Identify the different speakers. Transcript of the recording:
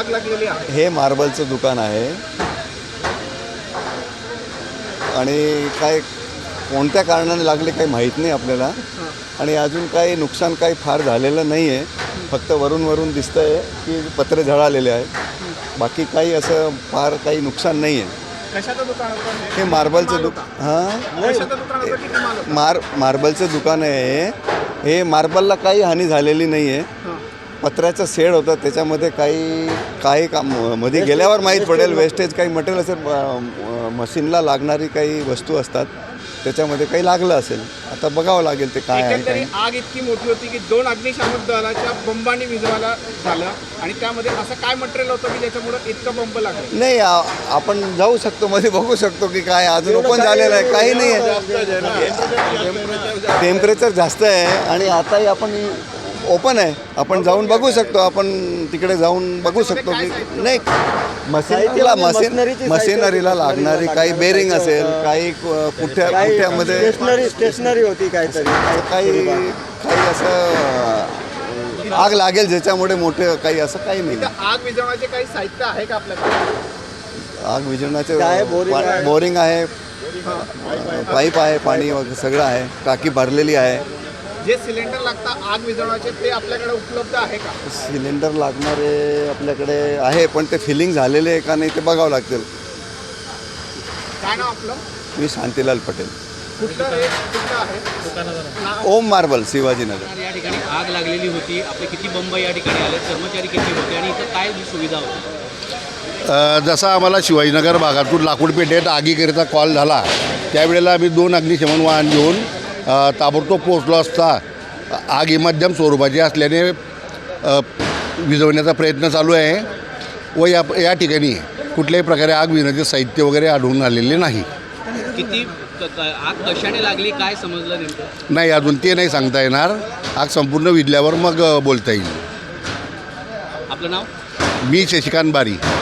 Speaker 1: आग लागलेली आहे?
Speaker 2: हे मार्बलचं दुकान आहे आणि काय कोणत्या कारणाने लागले काही माहीत नाही आपल्याला. आणि अजून काही नुकसान काही फार झालेलं नाही आहे. फक्त वरून दिसतं आहे की पत्रे झळालेले आहेत. बाकी काही असं फार काही नुकसान नाही आहे.
Speaker 1: कशाचं दुकान होतं
Speaker 2: हे मार्बलचं
Speaker 1: कशाचं दुकान होतं? किती माल होता?
Speaker 2: मार्बलचं दुकान आहे हे. मार्बलला काही हानी झालेली नाही आहे. पत्र्याचं शेड होतं त्याच्यामध्ये काही काम मध्ये गेल्यावर माहीत पडेल. वेस्टेज काही मटेरियल असेल, मशीनला लागणारी काही वस्तू असतात त्याच्यामध्ये काही लागलं असेल. आता बघावं लागेल ते काय आहे
Speaker 1: एकंदरीत
Speaker 2: काय.
Speaker 1: आग इतकी मोठी होती की 2 अग्निशामक दलाच्या बंबांनी विझवायला झालं. आणि त्यामध्ये असं काय मटेरियल होतं की ज्याच्यामुळे इतकं बंब लागलं?
Speaker 2: नाही आपण जाऊ शकतो मध्ये बघू शकतो की काय अजून ओपन झालेलं आहे काही नाही आहे. टेम्परेचर जास्त आहे आणि आताही आपण ओपन आहे. आपण जाऊन बघू शकतो. आपण तिकडे जाऊन बघू शकतो की नाही मशिनरीला लागणारी काही बेरिंग असेल, काही पुठ्यामध्ये
Speaker 3: स्टेशनरी होती काहीतरी,
Speaker 2: काही असं आग लागेल ज्याच्यामुळे मोठे काही असं काही नाही.
Speaker 1: आग विझवण्याचे काही साहित्य आहे का आपल्याकडे?
Speaker 2: आग विझवण्याचे बोरिंग आहे, पाईप आहे, पाणी वगैरे सगळं आहे. टाकी भरलेली आहे.
Speaker 1: जे सिलेंडर लागतात आग विझवण्याचे ते आपल्याकडे उपलब्ध आहे का?
Speaker 2: सिलेंडर लागणारे आपल्याकडे आहे पण ते फिलिंग झालेले आहे का नाही ते बघावं लागतील.
Speaker 1: काय नाव आपलं?
Speaker 2: मी शांतीलाल पटेल.
Speaker 1: कुठलं आहे?
Speaker 2: ओम मार्बल, शिवाजीनगर.
Speaker 4: या ठिकाणी आग लागलेली होती. आपले किती बंब या ठिकाणी आले, कर्मचारी किती होते आणि इथं काय सुविधा होती?
Speaker 5: जसा आम्हाला शिवाजीनगर भागातून लाकूड पेठेत आगीकरिता कॉल झाला त्यावेळेला आम्ही 2 अग्निशमन वाहन घेऊन ताबडतोब पोचलो असता आग ही मध्यम स्वरूपाची असल्याने विझवण्याचा प्रयत्न चालू आहे व या ठिकाणी कुठल्याही प्रकारे आग विझवण्याचे साहित्य वगैरे आढळून आलेले नाही.
Speaker 4: किती आग कशाने लागली काय समजलं नेमकं?
Speaker 5: नाही अजून ते नाही सांगता येणार. आग संपूर्ण विझल्यावर मग बोलता येईल.
Speaker 4: आपलं नाव?
Speaker 5: मी शशिकांत बारी.